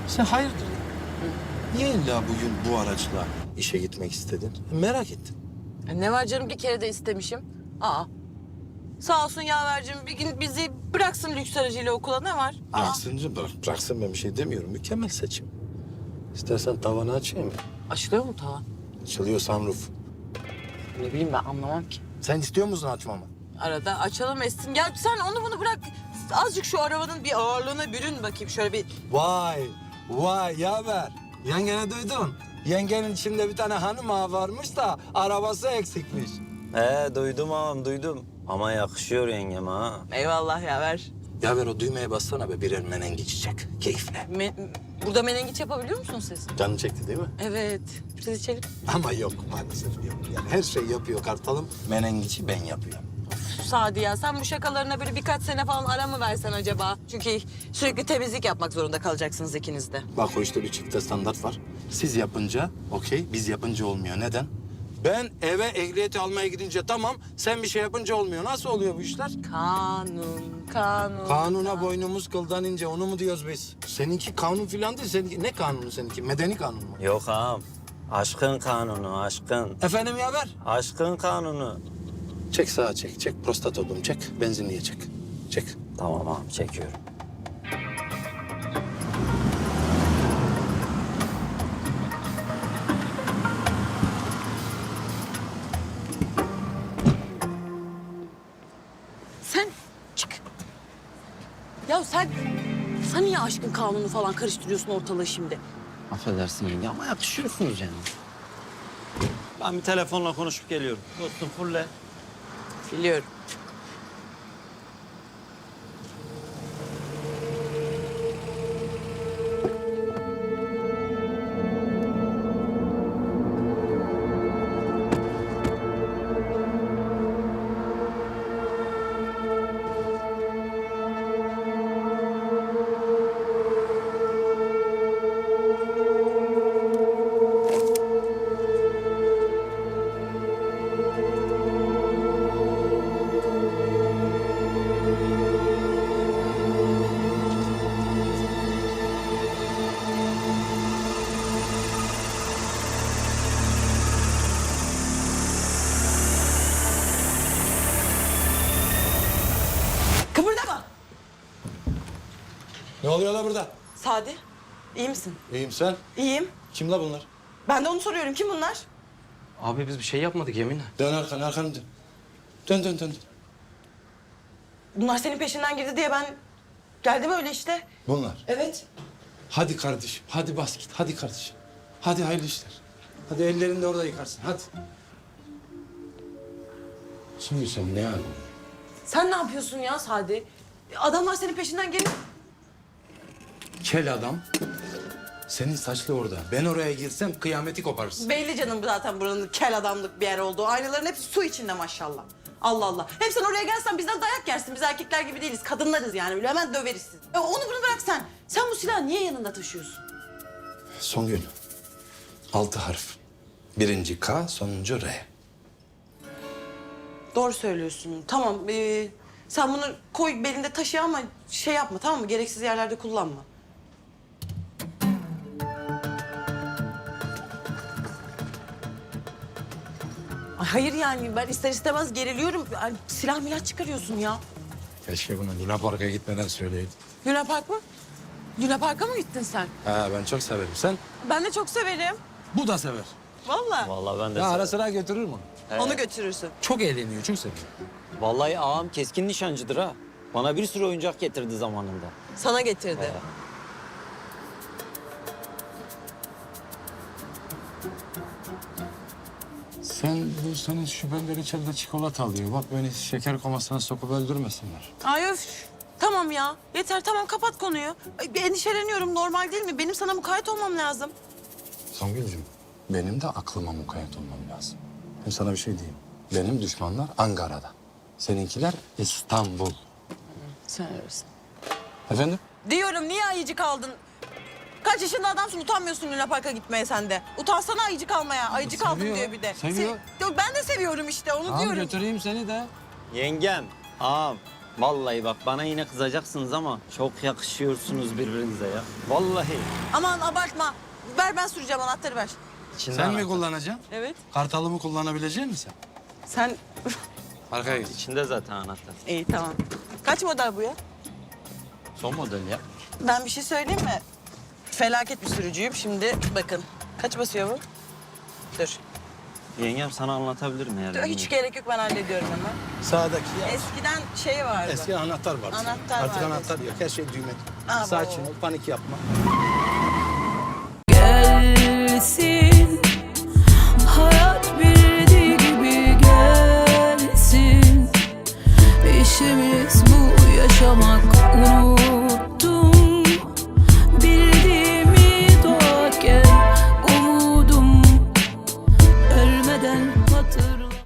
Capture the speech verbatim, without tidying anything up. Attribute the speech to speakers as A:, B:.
A: Sen hayırdır? Niye illa bugün bu araçla işe gitmek istedin? Merak ettim.
B: Ya ne var canım, bir kere de istemişim. Aa. Sağ olsun yavercim, bir gün bizi bıraksın lüks aracıyla okula, ne var? Aa.
A: Bıraksın, bırak, bıraksın ben bir şey demiyorum. Mükemmel seçim. İstersen tavanı açayım.
B: Açılıyor mu tavan?
A: Açılıyor sunroof.
B: Ne bileyim, ben anlamam ki.
A: Sen istiyor musun açmamı?
B: Arada açalım etsin. Ya sen onu bunu bırak. Azıcık şu arabanın bir ağırlığına bürün bakayım. Şöyle bir...
A: Vay, vay yaver. Yengeni duydun. Yengenin içinde bir tane hanım ağa varmış da arabası eksikmiş.
C: He duydum ağam duydum. Ama yakışıyor yengeme ha.
B: Eyvallah yaver.
A: Yaver o düğmeye bassana be, birer menengiç çek. Keyifle.
B: Me Burada menengiç yapabiliyor musunuz siz?
A: Canın çekti değil mi?
B: Evet. Siz içelim.
A: Ama yok maalesef yok. Yani her şey yapıyor kartalım. Menengiçi ben yapıyorum.
B: Sadi ya, sen bu şakalarına böyle birkaç sene falan ara mı versen acaba? Çünkü sürekli temizlik yapmak zorunda kalacaksınız ikiniz de.
A: Bak o işte bir çifte standart var. Siz yapınca okey, biz yapınca olmuyor. Neden? Ben eve ehliyeti almaya gidince tamam, sen bir şey yapınca olmuyor. Nasıl oluyor bu işler?
B: Kanun, kanun.
A: Kanuna boynumuz kıldan ince, onu mu diyoruz biz? Seninki kanun filan değil, seninki ne kanunu seninki? Medeni kanun mu?
C: Yok ağam. Aşkın kanunu aşkın.
A: Efendim yaver?
C: Aşkın kanunu.
A: Çek sağa çek, çek prostat oğlum çek. Benzinliğe çek. Çek.
C: Tamam ağam çekiyorum.
B: Sen çık. Ya sen, sen niye aşkın kanunu falan karıştırıyorsun ortalığı şimdi?
C: Affedersin yenge ama yakışıyorsunuz yani. Ben bir telefonla konuşup geliyorum. Dostum fulle.
B: Biliyorum. Kıpırdama.
A: Ne oluyor la burada?
B: Sadi, iyi misin?
A: İyiyim sen.
B: İyiyim.
A: Kim la bunlar?
B: Ben de onu soruyorum. Kim bunlar?
D: Abi biz bir şey yapmadık yeminle.
A: Dön arkanı, arkanı dön. Dön, dön, dön.
B: Bunlar senin peşinden girdi diye ben geldim öyle işte.
A: Bunlar.
B: Evet.
A: Hadi kardeşim, hadi bas git. Hadi kardeşim. Hadi hayırlı işler. Hadi ellerini de orada yıkarsın, hadi. Şimdi sen ne yapıyorsun?
B: Sen ne yapıyorsun ya Sadi? Adamlar senin peşinden gelip...
A: Kel adam. Senin saçlı orada. Ben oraya girsem kıyameti koparırsın.
B: Belli canım zaten buranın kel adamlık bir yer olduğu. Aynaların hepsi su içinde maşallah. Allah Allah. Hem sen oraya gelsen bizden dayak yersin. Biz erkekler gibi değiliz. Kadınlarız yani. Böyle hemen döveriz sizi. E onu bunu bırak sen. Sen bu silahı niye yanında taşıyorsun?
A: Songül. Altı harf. Birinci K, sonuncu R.
B: Doğru söylüyorsun. Tamam. ee, sen bunu koy belinde taşı ama şey yapma, tamam mı? Gereksiz yerlerde kullanma. Ay hayır yani ben ister istemez geriliyorum. Ay, silah milah çıkarıyorsun ya.
A: Keşke bunu Luna Park'a gitmeden söyleydin.
B: Luna Park mı? Luna Park'a mı gittin sen?
A: Ha, ben çok severim. Sen?
B: Ben de çok severim.
A: Bu da sever.
B: Vallahi.
C: Vallahi ben de
A: Ya ara
C: severim.
A: sıra götürür mü?
B: Onu götürürsün.
A: Çok eğleniyor, çok seviyor.
C: Vallahi ağam keskin nişancıdır ha. Bana bir sürü oyuncak getirdi zamanında.
B: Sana getirdi.
C: He.
A: Sen bu senin şüphelileri içeride çikolata alıyor. Bak beni şeker komasına sokup öldürmesinler.
B: Ay öf. Tamam ya. Yeter tamam, kapat konuyu. Ay, bir endişeleniyorum, normal değil mi? Benim sana mukayyet olmam lazım.
A: Songül'cüm, benim de aklıma mukayyet olmam lazım. Hem sana bir şey diyeyim. Benim düşmanlar Ankara'da. Seninkiler İstanbul.
B: Sen öylesin.
A: Efendim?
B: Diyorum, niye ayıcı kaldın? Kaç yaşında adamsın, utanmıyorsun Luna Park'a gitmeye sen de. Utansana ayıcı kalmaya. Ayıcı kaldım
A: Seviyor,
B: diyor bir de.
A: seviyor.
B: Se- ben de seviyorum işte, onu
A: Tamam
B: diyorum.
A: götüreyim seni de.
C: Yengem, ağam Vallahi bak bana yine kızacaksınız ama çok yakışıyorsunuz birbirinize ya. Vallahi.
B: Aman abartma. Ver ben süreceğim anahtarı ver.
C: İçinde
A: Sen mi
C: anahtar.
A: kullanacaksın?
B: Evet.
A: Kartalımı kullanabilecek misin sen?
B: Sen...
A: Arkaya geç.
C: İçinde zaten anahtar.
B: İyi tamam. Kaç model bu ya?
C: Son model ya.
B: Ben bir şey söyleyeyim mi? Felaket bir sürücüyüm. Şimdi bakın. Kaç basıyor bu? Dur.
C: Yengem sana anlatabilirim eğer.
B: Dur, hiç gerek yok ben hallediyorum hemen.
A: Sağdaki ya.
B: Eskiden şey vardı.
A: Eski anahtar var.
B: Anahtar
A: Artık
B: vardı.
A: anahtar yok. Her şey düğme.
B: Aa,
A: Sakin
B: bravo.
A: ol, panik yapma.
E: Gelsin hayat bildiği gibi gelsin. İşimiz bu yaşamak, unut